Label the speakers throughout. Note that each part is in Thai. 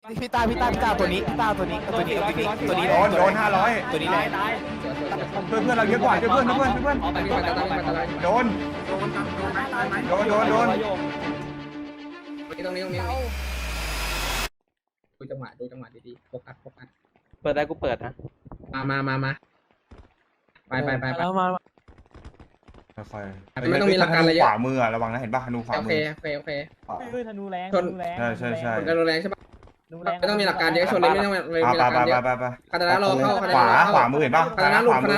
Speaker 1: พี่ตาตัวนี้ตัวนี้โดน500ตัวนี้เพื่อนเราเยอะกว่าเพื่อนโดน
Speaker 2: ตรงนี้ดูจังหวะดีๆโฟกัส
Speaker 3: เปิดได้กูเปิดนะ
Speaker 2: มาไป
Speaker 1: แล้วมา
Speaker 4: ค่อย
Speaker 2: ไม่ต้องมีหลักการอะไรเยอะ
Speaker 4: ขวามือระวังนะเห็นป่ะธนูขวา
Speaker 2: โอ
Speaker 4: มื
Speaker 2: เค
Speaker 5: คือธนูแรง
Speaker 4: ใช่
Speaker 2: คนกระโดดแรงใช่ปะไม่ต้องมีหลักการเยอะชนเลยไม่ต้องมีหลักการเยอะ
Speaker 4: ไป
Speaker 2: คาตานะรอเข้า
Speaker 4: ขวามือเห็นป่ะ
Speaker 2: คาตานะหลุดขวา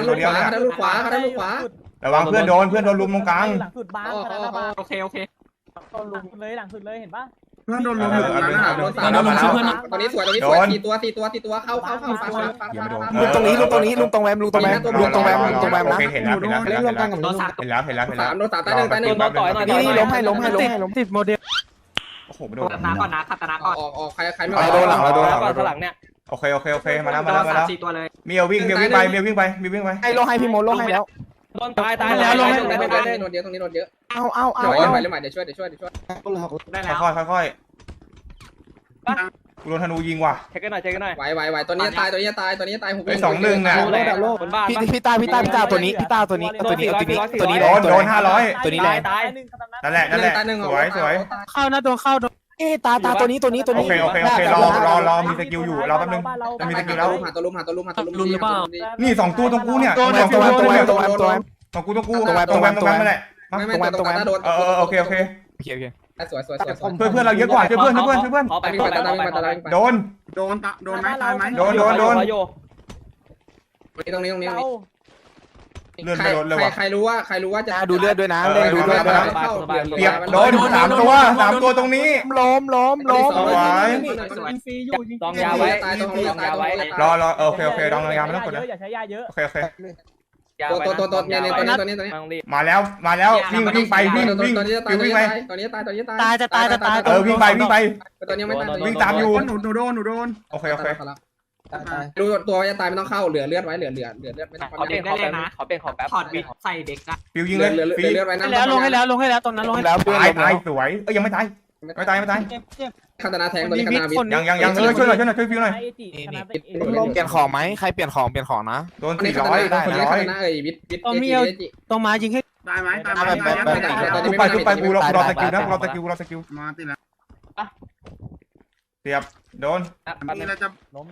Speaker 4: ระวังเพื่อนโดนลุมตรงกลาง
Speaker 5: หลังสุดบ้านคาตานะบ้าน
Speaker 3: โอเค
Speaker 5: ต้นหลังสุดเลยเห็นปะ
Speaker 2: เพื่อนโดนลุมอยู่ตรงนั้นโดนตอนนี้สวย4ตัวเข้าฟา
Speaker 1: ลุงตรงนี้ลุงตรงแวมนะ
Speaker 4: โอเคเห็นแล้ว
Speaker 2: 3โดน3ตาย1
Speaker 3: โดนต่อยหน่อย
Speaker 1: นี่ล้มติดโมเดล
Speaker 4: โอ้โหไม่โดน
Speaker 3: คาตานะก่อนนะคาตานะก่อน
Speaker 2: ออกใครไม่
Speaker 1: โดนหลัง
Speaker 3: ก่อนข้างหลังเนี่ย
Speaker 4: โอเคมาแล้ว
Speaker 3: 4ตัวเลย
Speaker 4: เมียววิ่งไป
Speaker 1: ให้ลงให้พี่โมลงให้แล้ว
Speaker 3: โดนตายแล้วลงให้
Speaker 2: โดนเยอะตรงนี้โดนเยอะ
Speaker 1: เอา
Speaker 2: เล่นใหม่เดี๋ยวช่วย
Speaker 3: ได้แล้ว
Speaker 4: ค่อยกูโดนธนูยิงว่ะ
Speaker 3: เช็คกันหน่อย
Speaker 2: ไหวตัวนี้ตายหุบ
Speaker 4: 2-1น่ะ
Speaker 3: คนบ้า
Speaker 1: พี่ตาตัวนี้ตัวนี้โดน
Speaker 4: โดน500
Speaker 1: ตัวนี้แรง
Speaker 3: ตาย
Speaker 4: นั่นแหละสวย
Speaker 1: เข้านะโดนเข้าตาตัวนี้
Speaker 4: โอเครอมีสกิลอยู่รอแป๊บนึงมีสกิลแล้ว
Speaker 2: หาตัวลุม
Speaker 4: นี่2ตัวตรงกูเนี่ย
Speaker 1: ตัว
Speaker 4: ตรงกูนั่นแหละ
Speaker 2: ไม่ตัวตาโดน
Speaker 4: โอเค
Speaker 2: สวย
Speaker 4: เพื่อนเราเยอะกว่าเพื่อน
Speaker 3: ขอไป
Speaker 4: โดน
Speaker 2: ไหมตายไหม
Speaker 4: โดน
Speaker 2: ตรงนี้
Speaker 4: เลื่อนไปโดนเลยว่ะ
Speaker 2: ใครรู้ว่าจะ
Speaker 1: ดูเลือดด้วยนะเล่นดูเลือดด้วยนะ
Speaker 4: เปียกโดน3ตัวตรงนี้
Speaker 1: ล้ม
Speaker 5: ฟรีอยู่จริง
Speaker 3: ตองยาไว้
Speaker 2: ตายตรงนี้ตาย
Speaker 4: รอโอเคดองยาไม่ต้องกดนะ
Speaker 5: อย่าใช้ยาเยอะ
Speaker 4: โอเค
Speaker 2: ตัวเนี่ยตัวนี้
Speaker 4: มาแล้ววิ่งไปวิ่ง
Speaker 2: ตัวนี้ตาย
Speaker 4: วิ่งไป
Speaker 2: ตัวนี้ตาย
Speaker 1: จะตาย
Speaker 4: วิ่งไป
Speaker 2: ตัวนี้ไม่ตาย
Speaker 4: วิ่งตามอยู่
Speaker 2: หนูโดน
Speaker 4: โอเค
Speaker 2: ดูตัวจะตายไม่ต้องเข้าเหลือเลือดไว้เหลือไม่ต้อง
Speaker 3: ขอเปลี่ยนได้เลยนะขอเปลี่ยนของแป๊บถอดบิดใส่เด็กอะ
Speaker 4: ฟิวยิงเลย
Speaker 2: เหลือไว้นะ
Speaker 1: ลงให้แล้วตอนนั้นลงให้แล้ว
Speaker 4: ตายสวยยังไม่ตายคาตานาแทงตัวนี้คาตานาวิทยังช่วยหน่อยฟิวหน่อย
Speaker 1: เปลี่ยนของไหมใครเปลี่ยนของนะ
Speaker 4: โดน400ได้
Speaker 2: คาตานาวิท
Speaker 1: ต้องมายิงให้
Speaker 6: ตายไหม
Speaker 4: ไปกูรอสกิลนะรอสกิล
Speaker 6: มาติแล้ว
Speaker 4: เสียบโดน
Speaker 6: นี่เราจะ
Speaker 5: ล้ม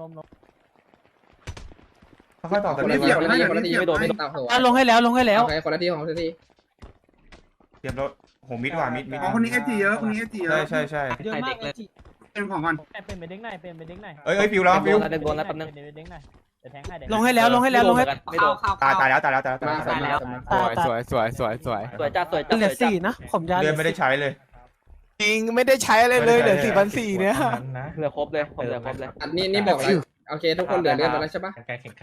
Speaker 4: ค่อยต่อส
Speaker 2: คน
Speaker 4: กิ
Speaker 2: ละ
Speaker 4: ล
Speaker 2: ทีไม่โดน
Speaker 1: ลงให้แล้ว
Speaker 2: โอเคคนละทีของที
Speaker 4: เสียบรถโหมิดว่ะมิด
Speaker 6: อ๋อคนนี้เอจีเยอะคนนี้เอจีเยอะ
Speaker 4: ใช่
Speaker 5: เยอะมากเลย
Speaker 6: เป็นของก่อน
Speaker 5: เป็นไปเด้งไหน
Speaker 4: ฟิวแล้วฟิว
Speaker 3: เดินบนแล้วแป๊บนึง
Speaker 5: เด้งไหนจะแทงให้
Speaker 1: ลงให้แล้ว
Speaker 3: ไม่โดน
Speaker 4: ตายแล้ว
Speaker 1: สวยจัดเหลือ4นะผมจะ
Speaker 4: เดือนไม่ได้ใช้เลย
Speaker 1: จริงไม่ได้ใช้อะไรเลยเหลือ4,400เนี่ย
Speaker 3: เหลือครบเลยผมเหลือครบเลย
Speaker 2: นี่บอกแล้วโอเคทุกคนเหลือเลือดแล้วใช่ปะ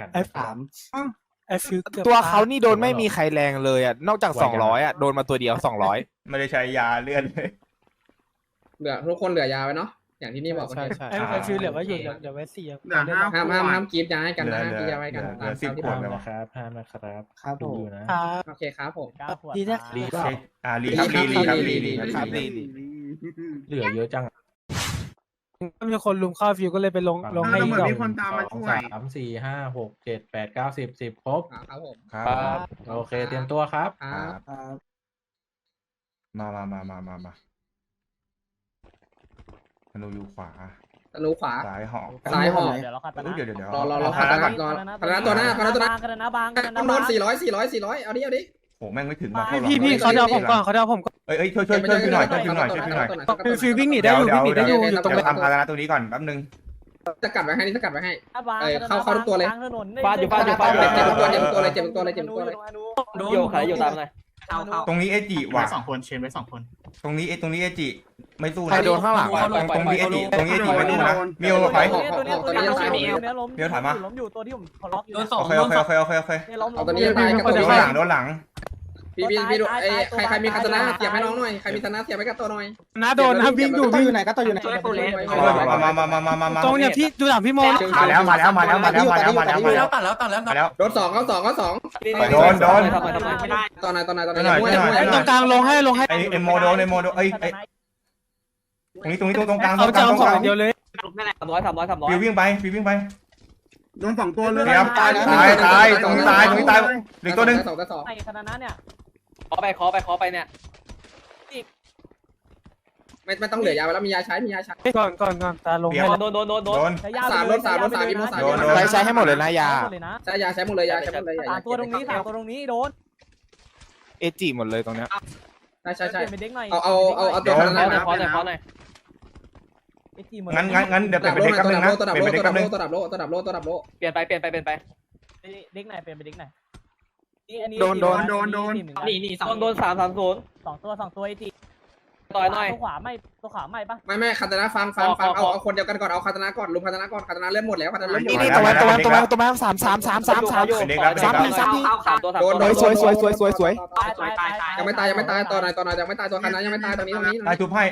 Speaker 1: ตัวเขานี่โดนไม่มีใครแรงเลยอ่ะนอกจาก200อ่ะโดนมาตัวเดียว200
Speaker 4: ไม่ได้ใช้ยาเลื่อนเลย
Speaker 2: เหลือทุกคนเหลือยาไว้เนาะอย่างที่นี่บอก
Speaker 1: ใช่ฟิลเหลือไว้อยู่เดี๋ยวไว้4
Speaker 6: เหลือ5
Speaker 2: ห้ามกีบยาให้กันนะห้ามกีบยาไว้กัน
Speaker 4: เหลือ10 ขวดเลยวะ
Speaker 1: ครับผม
Speaker 2: โอเคครับผม
Speaker 1: ดีนะ
Speaker 4: รีครับรี
Speaker 7: เหลือเยอะจัง
Speaker 1: มีคนลุมเข้าฟิวก็เลยไปลงให้
Speaker 6: เห
Speaker 1: อี
Speaker 6: มื
Speaker 1: ก
Speaker 6: อน
Speaker 1: ดอก
Speaker 6: มีคนตามมาช่วย
Speaker 7: 3 4 5 6 7 8 9 10 10ครบ
Speaker 2: ครับผม
Speaker 4: ครับ
Speaker 7: โอเคเตรียมตัวครับ
Speaker 4: มาธนูอยู่ขวา
Speaker 2: ธนูขวา
Speaker 4: ซ้ายหอก
Speaker 2: ซ้ายหอก
Speaker 5: เดี๋ยวเราขัดนะ
Speaker 4: เดี๋ยว
Speaker 2: รอคาตาก่อนรอคาตาตัวหน้า
Speaker 5: บาง
Speaker 2: โดน400เอาดิ
Speaker 4: โหแม่งไม่ถึงมา
Speaker 1: พี่เขาจะเอาผมก่อน
Speaker 4: เอ้ยช่วยฟิวหน่อย
Speaker 1: ฟิววิ่งหนีได้อยู่ตรง
Speaker 4: เดี๋ยวทำคาตานะตัวนี้ก่อนแป๊บนึง
Speaker 2: สกัดไว้ให้เข้าทุกตัวเลย
Speaker 3: ฟาดอยู่
Speaker 2: เจ็บตัวเลย
Speaker 3: โยขายอยู่ตามหน่อย
Speaker 4: ตรงนี้เอจิว่ะ
Speaker 7: 2 คนเชนไว้2 คน
Speaker 4: ตรงนี้เอจิไม่สู้
Speaker 1: ใคร
Speaker 4: นะ
Speaker 1: โดนข้างหลัง
Speaker 4: ตรงนี้เอจิไม่สู้นะมิวไป
Speaker 5: ล้มอยู่ตัวที่ผมล็อกอยู่
Speaker 4: โอเค
Speaker 2: เอาตัวนี้ตายกับตัว
Speaker 4: โด
Speaker 2: นี้
Speaker 4: นหลัง
Speaker 2: พี่ดูใครมีคาตานะเสียบให้น้องหน่อยใครมีคาตานะเสียบให้กับตัวหน่อย
Speaker 1: นะโดนนะวิ่งอยู่
Speaker 2: ไหนก็ตัวอยู่ไหน
Speaker 4: มา
Speaker 1: ตรงเนี่ยพี่ดูหลังพี่โม
Speaker 4: มาแล้ว
Speaker 2: โดน2เข้า2เข้า2
Speaker 4: โดน
Speaker 2: ตอนไหน
Speaker 1: ตรงกลางลงให้
Speaker 4: ไอโมโดนเอ้ยตรงนี้ตรงกลาง
Speaker 1: เขาจะเอาของเดียวเลย
Speaker 3: 300
Speaker 4: ฟิววิ่งไป
Speaker 6: โดน2ตัวเลย
Speaker 4: เดี๋ยวตายตรงนี้ตายเหลือตัวหนึ่ง
Speaker 2: สองต่อสอง
Speaker 5: ไอ้คณะนั้นเนี่ย
Speaker 3: ขอไปเนี่ย
Speaker 2: ไม่ต้องเหลือยาไปแล้วมียาใช้
Speaker 5: ก่อนตาลง
Speaker 3: โดน
Speaker 5: ใช้ยา
Speaker 2: สามมีโมสาม
Speaker 1: ใช้ให้หมดเลยนะยา
Speaker 2: ใช้ยาใช้หมดเลยยาใช้หมดเลย
Speaker 5: สามตัวตรงนี้โดน
Speaker 1: เอจิหมดเลยตรงเนี้ย
Speaker 2: ใช่
Speaker 5: เปลี่ยนเป็นเด็กหน่อย
Speaker 2: เอาตัวนั้น
Speaker 3: ขอหน่อย
Speaker 5: ไอ้จีหมด
Speaker 4: งั้นเดี๋ยว
Speaker 2: ตัว
Speaker 4: เป็นเด็ก
Speaker 2: ดั
Speaker 4: แป๊
Speaker 2: บบ
Speaker 4: นึงนะ
Speaker 2: ตัวดับ
Speaker 4: เป็นเด็กแป๊บนึง
Speaker 2: ตัวดับโล
Speaker 3: เปลี่ยนไป
Speaker 5: เด็กไหนเปลี่ยนเป็นเด็กไหนนี่
Speaker 3: โดน330
Speaker 5: 2 ตัวไอ้จีตัวขวาไม่ปะ
Speaker 2: ไม่คาตานะฟังเอาคนเดียวกันก่อนเอาคาตานะก่อนลุมคาตานะก่อนคาตานะเล่นหมดแล้วคาตานะเล่นหมด
Speaker 1: นี่ตัวมา3 สวย
Speaker 2: ยังไม่ตายต่อหน่อยยังไม่ตายตัวคาตานะยังไม่ตายตรงนี้
Speaker 4: ตายชุบให้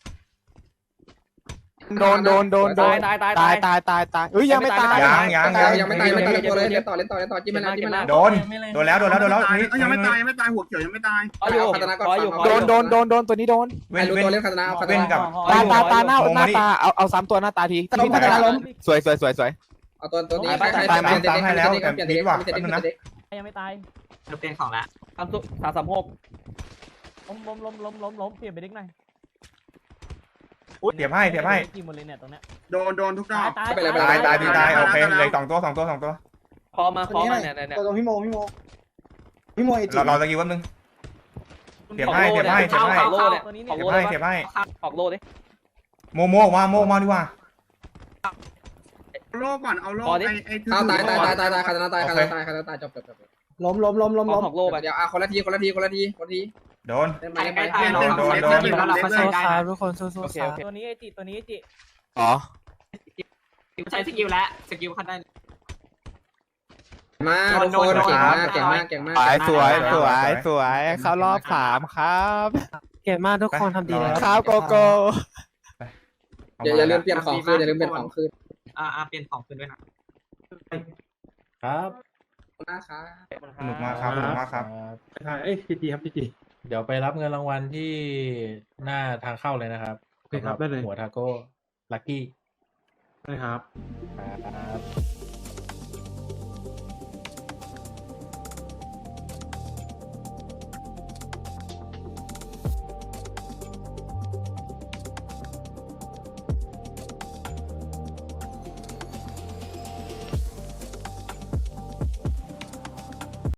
Speaker 1: โดนตายเอ้ยยังไม่ตาย
Speaker 2: ยังไม่ตายตัวเลยเล่นต่อจิ้มไปแล้ว
Speaker 4: โดนแล้ว
Speaker 6: ยังไม่ตายหัวเขียวยังไม่ตาย
Speaker 2: เอาคาตานะก่อน
Speaker 1: โดนตัวนี้โดน
Speaker 4: เว้น
Speaker 2: ตัวเล่นคาตานะเอาคาตา
Speaker 4: เว้น
Speaker 2: นะ
Speaker 4: กับ
Speaker 1: ตาหน้าเอา3ตัวหน้าตาทีที่พัฒนาล้มสวย
Speaker 2: เอาตัวนี้เปลี่ยนเด็ก
Speaker 5: ยังไม่ตาย
Speaker 3: เปลี่ยนของละ336
Speaker 5: ล้มเปลี่ยนเป็นเด็กหน่อย
Speaker 4: เดี๋ยวให้
Speaker 5: จีหมดเลยเนี่ยตรงเนี้ย
Speaker 6: โดนทุกดอก
Speaker 4: ตายโอเคเลย2ตัว
Speaker 3: คอมาเนี่ย
Speaker 8: ตัวพี่โม
Speaker 4: เราตะกี้วันนึงเดี๋ยวให้
Speaker 3: ออกโล่เนี่ย
Speaker 5: ตัวนี้
Speaker 3: อ
Speaker 5: เนี่
Speaker 3: อย กโล่ ออกโล่ดิ
Speaker 4: โมมาดีกว่า
Speaker 6: โลก่อนเอาโลไอ้
Speaker 2: เอาตายคาตานะตายจบ
Speaker 8: ล้ม
Speaker 3: ออกโล่ไป
Speaker 2: เดี๋ยวคนละที
Speaker 4: โดน
Speaker 2: เล่นไป
Speaker 5: ทุกคนสู้ตัวนี้ไอจิ
Speaker 1: อ๋อ
Speaker 3: ใช้สกิลแล้วสกิลขั้นได้
Speaker 2: มาทุกคนเก่งมาก
Speaker 1: สวยเข้ารอบ3ครับ
Speaker 5: เก่งมากทุกคนทำดีแล้ว
Speaker 1: ครับโกโก้
Speaker 2: อย่าลืมเปลี่ยนของคืน
Speaker 3: เปลี่ยนของคืนด้วยนะครับ
Speaker 2: นะครับ
Speaker 4: สนุกมากครับ
Speaker 7: พีจีเดี๋ยวไปรับเงินรางวัลที่หน้าทางเข้าเลยนะครับหัวทาโก้ลัคกี้
Speaker 6: ใช่ครับ
Speaker 7: ครับ